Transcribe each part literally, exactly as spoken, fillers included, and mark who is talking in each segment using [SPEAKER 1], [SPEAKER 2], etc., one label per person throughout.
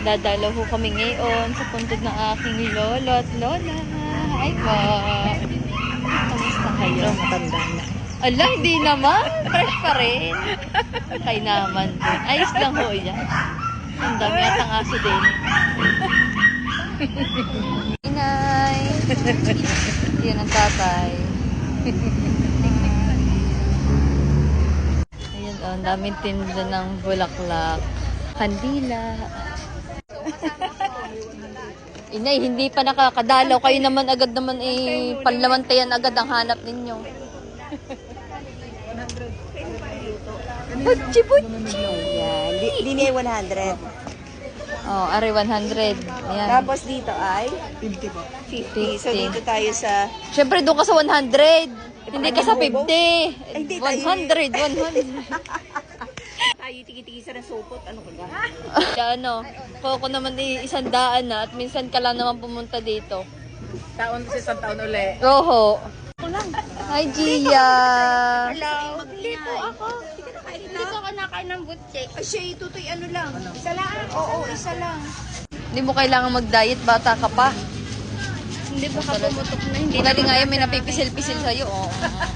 [SPEAKER 1] Dadalaw ho kami ngayon sa puntod ng aking lolo at lola. Ay po. Kamusta kayo?
[SPEAKER 2] So, matanda na.
[SPEAKER 1] Ala, hindi naman. Fresh pa rin. Kay naman din. Ayos lang ho yan. Ang dami at ang aso din. Inay. Yan ang tatay. Ayan o, ang daming tinda ng bulaklak. Kandila. Inay, hindi pa nakakadalaw. Kayo naman agad naman eh, panlamantayan agad ang hanap ninyo. Butchi, butchi!
[SPEAKER 2] Yan. Di- Dini ay one hundred.
[SPEAKER 1] Oh, are one hundred. Ayan.
[SPEAKER 2] Tapos dito ay fifty po. fifty. So
[SPEAKER 1] fifty.
[SPEAKER 2] dito tayo sa
[SPEAKER 1] Siyempre, doon ka sa one hundred. Hindi ka sa fifty.
[SPEAKER 2] Ay, hindi tayo.
[SPEAKER 1] one hundred, one hundred.
[SPEAKER 2] tayo tiki-tiki sa sopot. Ano ka ba?
[SPEAKER 1] Kaya ano, kung naman eh, isang daan na at minsan ka lang naman pumunta dito.
[SPEAKER 3] Taon sa isang taon uli.
[SPEAKER 1] Oho. Hi, Gia.
[SPEAKER 2] Hello. Hindi po ako.
[SPEAKER 4] Hindi ko kinakain ng butche.
[SPEAKER 2] Ay, siya itutoy ano lang. Isa lang? Oo, isa lang.
[SPEAKER 1] Hindi mo kailangan mag-diet, bata ka pa.
[SPEAKER 4] Hindi ba ka pumutok na? Hindi
[SPEAKER 1] Hindi nga yung may napipisil-pisil sa'yo. Oo.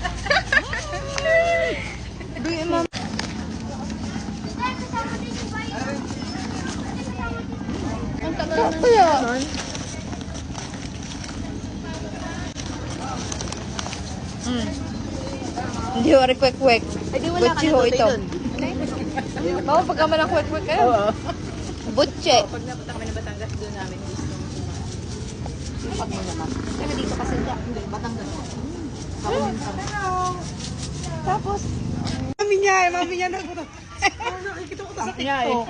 [SPEAKER 4] Ang tagal na.
[SPEAKER 1] Kaya. Mm. Hindi ho, kwek-kwek.
[SPEAKER 2] Ay, di wala ka
[SPEAKER 1] Butchi
[SPEAKER 2] na
[SPEAKER 1] ho
[SPEAKER 2] tutoy
[SPEAKER 1] ito.
[SPEAKER 2] dun.
[SPEAKER 1] Baka pagka malang kwek-kwek kayo. Butche.
[SPEAKER 3] Pag napunta kami ng Batangas, doon namin gusto.
[SPEAKER 2] Pag mo naman. Kaya dito kasi hindi. Batangas. Tapos,
[SPEAKER 3] Mami niya eh, mami niya nagpunta. Nakikita ko to sa TikTok.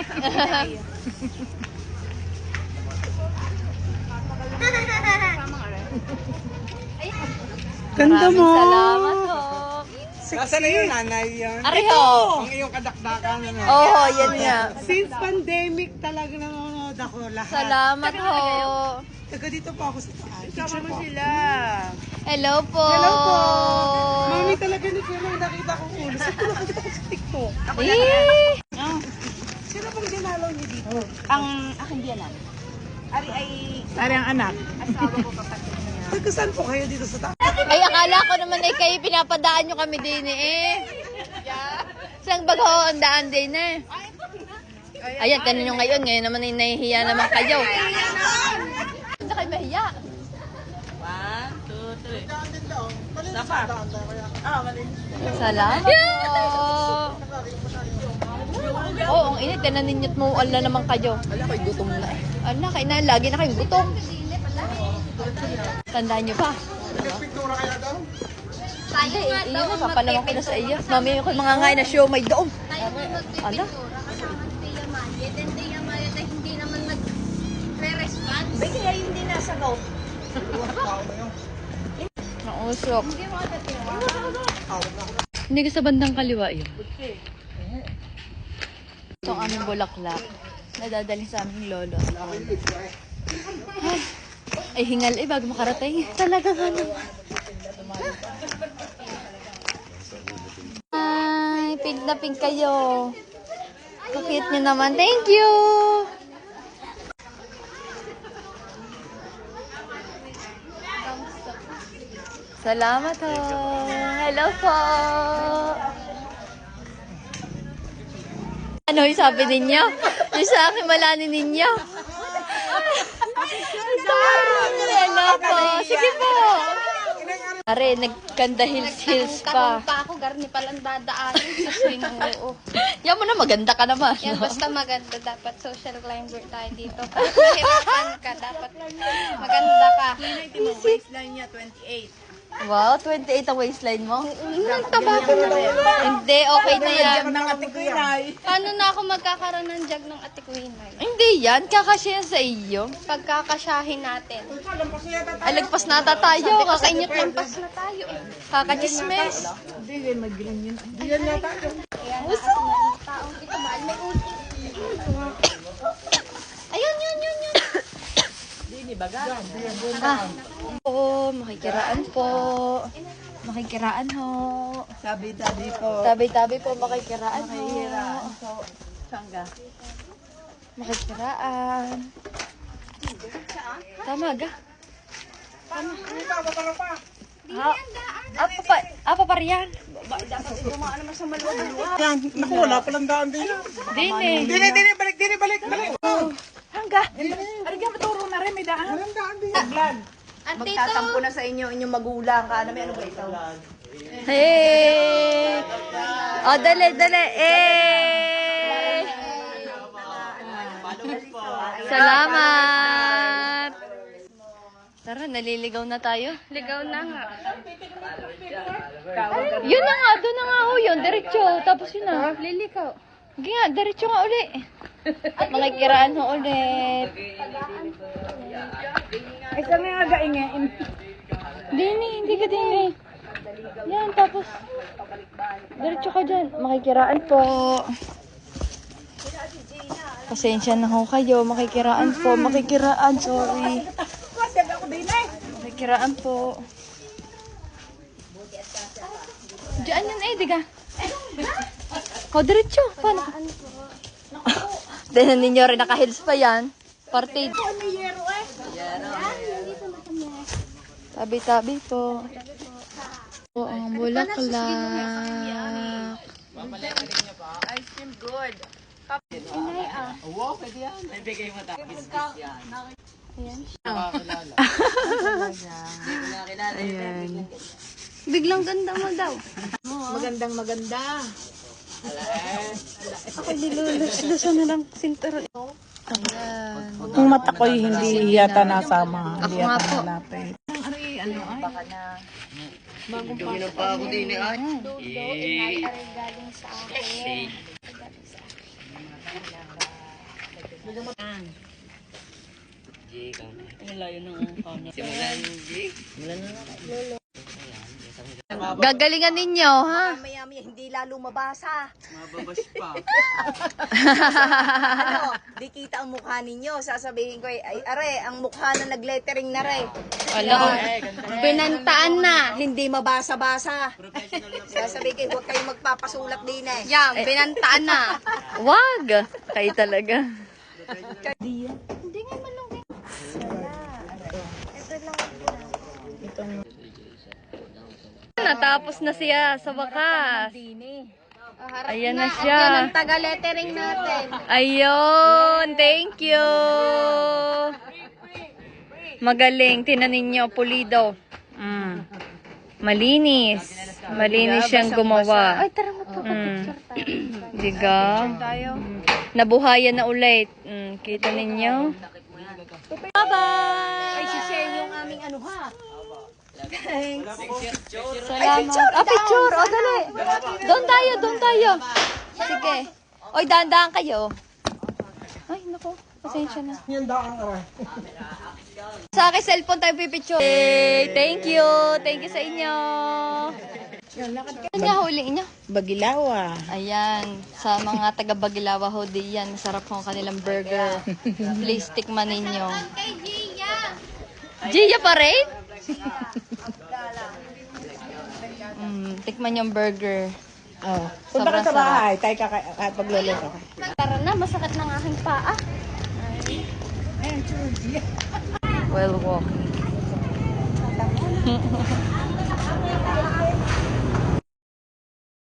[SPEAKER 3] Ganda
[SPEAKER 1] Maraming
[SPEAKER 3] mo.
[SPEAKER 1] salamat ho.
[SPEAKER 3] Nasaan na yung nanay yan?
[SPEAKER 1] Ariho.
[SPEAKER 3] Ang iyong kadakdakan. Ano?
[SPEAKER 1] Oo, yan nga.
[SPEAKER 3] Since pandemic talaga nanonood ako lahat.
[SPEAKER 1] Salamat ho.
[SPEAKER 3] Taga dito pa ako sa taas. Picture mo sila.
[SPEAKER 1] Hello po.
[SPEAKER 3] Hello po. Mami talaga ni Kuya, nakita ko ulo. Saan ko nakita ko sa TikTok?
[SPEAKER 1] Eh.
[SPEAKER 2] sino pong dinalaw niyo dito?
[SPEAKER 3] Ang
[SPEAKER 2] Aking biyanan. Ari ay
[SPEAKER 3] Ari ang anak.
[SPEAKER 2] asawa ko kapatid niya.
[SPEAKER 3] Taga saan po kayo dito sa taas?
[SPEAKER 1] Ay, akala ko naman ay kayo pinapadaan nyo kami din eh. Saan baga ho ang daan din eh. Ayan, tanong nyo ngayon. Ngayon naman ay nahihiya naman kayo. Hindi kayo mahiya.
[SPEAKER 2] One, two, three. Sapa. Ah, mali.
[SPEAKER 1] Salamat po. Oo, oh, ang init. Tinan ninyo't mo, ala naman kayo.
[SPEAKER 2] Wala ko'y gutom na eh.
[SPEAKER 1] Ala, kayo na, lagi na kayong gutom. Tandaan nyo pa.
[SPEAKER 4] Tayo
[SPEAKER 1] Hindi,
[SPEAKER 4] nga
[SPEAKER 1] iyon
[SPEAKER 4] daw
[SPEAKER 1] na,
[SPEAKER 4] ang
[SPEAKER 1] papalaman ko na sa iyo.
[SPEAKER 4] magpipintura.
[SPEAKER 1] Mami, ako mga ngayon na show may doom.
[SPEAKER 4] Tayo nga
[SPEAKER 1] Ala.
[SPEAKER 4] magpipintura kasama si Tia Maya. Then Tia Maya na hindi naman nag-response.
[SPEAKER 2] Bay, kaya hindi nasa go.
[SPEAKER 1] Nausok. Hindi ka sa bandang kaliwa yun. Ito ang aming bulaklak. Nadadali sa aming lolo. Ay, ay hingal eh bago makarating. Talaga nga naman. Ay, pink na pink kayo. Kapit nyo naman. Thank you! Salamat ho. Hello po. Ano yung sabi ninyo? Yung sa akin malanin ninyo. Hello po. Sige po. Are, nagkanda hills-hills pa.
[SPEAKER 4] Karoon pa ako, garni palang dadaanin sa swing. Oo.
[SPEAKER 1] Yan mo na, maganda ka naman.
[SPEAKER 4] Yan, basta maganda. Dapat social climber tayo dito. Kahit mahirapan ka, dapat maganda ka.
[SPEAKER 3] Waistline niya, twenty-eight.
[SPEAKER 1] Wow, twenty-eight ang waistline mo. Ang taba ko na. Hindi, okay na yan.
[SPEAKER 3] Nang ate ko yun.
[SPEAKER 4] Paano na ako magkakaroon ng jag ng Ate Quinay?
[SPEAKER 1] Hindi yan, kakasya yan sa iyo.
[SPEAKER 4] Pagkakasyahin natin.
[SPEAKER 1] Ay, lagpas nata tayo.
[SPEAKER 4] Kakainit
[SPEAKER 1] Kakainit
[SPEAKER 4] lang pas na tayo eh.
[SPEAKER 1] Kakachismes.
[SPEAKER 3] Hindi yan, magilan yun. Hindi yan na tayo.
[SPEAKER 4] Kaya nga ako ng taong ito, mahal may uti. Ayun, yun, yun, yun.
[SPEAKER 3] Hindi, baga.
[SPEAKER 1] Ah. Po, makikiraan po. Makikiraan ho.
[SPEAKER 2] Sabi-tabi po.
[SPEAKER 1] Tabi-tabi po, makikiraan ho.
[SPEAKER 2] So, Sangga.
[SPEAKER 1] Makikiraan. Tama ga. Tama. Ha? Apa pa? Apa pa riyan?
[SPEAKER 3] Yan, naku, wala palang daan din.
[SPEAKER 1] Dini.
[SPEAKER 3] Dini, dini, balik, dini, balik, balik. Hangga. Ariga, maturo na rin, may daan. Walang daan din. Vlog.
[SPEAKER 2] Magtatampo na sa inyo, inyong magulang ka. Ano may ano ba ito?
[SPEAKER 1] Hey! Oh, dali, dali. Eh! Salamat! Tara, naliligaw na tayo.
[SPEAKER 4] Ligaw na nga.
[SPEAKER 1] Yun na nga, doon na nga ho yun. Diretso, tapos yun na.
[SPEAKER 4] Lilikaw.
[SPEAKER 1] Sige nga, diretso nga uli. Makikiraan ho ulit.
[SPEAKER 3] Ay, kami nga gaingin.
[SPEAKER 1] Dini, hindi ka dini. Yan, tapos diretso ka dyan. Makikiraan po. Pasensya na ho kayo. Makikiraan po. Makikiraan, sorry. Makikiraan po. Diyan yun eh, diga. O, diretso. Paano? Tignan ninyo rin, naka-heels pa yan. Partid. Tabi-tabi po. Po ang bulaklak.
[SPEAKER 2] Ice cream good.
[SPEAKER 3] Ayan.
[SPEAKER 4] Biglang ganda mo daw.
[SPEAKER 2] Magandang maganda.
[SPEAKER 4] Ako nilulus-lusan na lang sinturon.
[SPEAKER 1] Ayan.
[SPEAKER 3] Ang mata ko hindi yata nasama.
[SPEAKER 1] Ako
[SPEAKER 3] Hindi
[SPEAKER 1] nga
[SPEAKER 3] yata
[SPEAKER 1] po.
[SPEAKER 3] nalapit.
[SPEAKER 4] Dudo, ingay aray galing sa akin.
[SPEAKER 1] Gagalingan ninyo, ha?
[SPEAKER 2] Maya-maya hindi lalo mabasa.
[SPEAKER 3] Mababas pa.
[SPEAKER 2] Ano, di kita ang mukha ninyo. Sasabihin ko, ay, ay are, ang mukha na nag-lettering na rin.
[SPEAKER 1] Wala.
[SPEAKER 2] Pinantaan na, hindi mabasa-basa. Sasabihin ko, huwag kayong magpapasulat din eh.
[SPEAKER 4] Yan, pinantaan na.
[SPEAKER 1] Wag. Kayo talaga.
[SPEAKER 4] Hindi nga malungkit. Ito lang ang
[SPEAKER 1] Natapos na siya sa wakas. Ayan na siya.
[SPEAKER 4] Yan ang taga-lettering natin.
[SPEAKER 1] Ayun. Thank you. Magaling. Tinan ninyo. Pulido. Mm. Malinis. Malinis siyang gumawa.
[SPEAKER 4] Ay, tara mo to.
[SPEAKER 1] Mm. Diga. Nabuhayan na ulit. Mm. Kita ninyo. Bye-bye.
[SPEAKER 2] Ay, si Shen yung aming ano ha.
[SPEAKER 1] Salamat. Ah, picture. O, dali. Doon tayo, doon tayo. Sige. Oy, dahan-dahan kayo. Ay, naku. Pasensya na.
[SPEAKER 3] Yan daan aray.
[SPEAKER 1] Sa akin, cellphone tayo pipicture. Hey, thank you. Thank you sa inyo. Ano nga huli niyo?
[SPEAKER 3] Bagilawa.
[SPEAKER 1] Ayan. Sa mga taga Bagilawa ho, di yan. Masarap ho ang kanilang burger. Please, tikman ninyo.
[SPEAKER 4] Kay Gia.
[SPEAKER 1] Gia pa rin? Mm, tikman yung burger.
[SPEAKER 3] Oh. Punta ka
[SPEAKER 1] Sobrang
[SPEAKER 3] sa bahay. Tayo ka at pagluluto ka.
[SPEAKER 4] Tara na, masakit ng aking paa.
[SPEAKER 1] Well walking.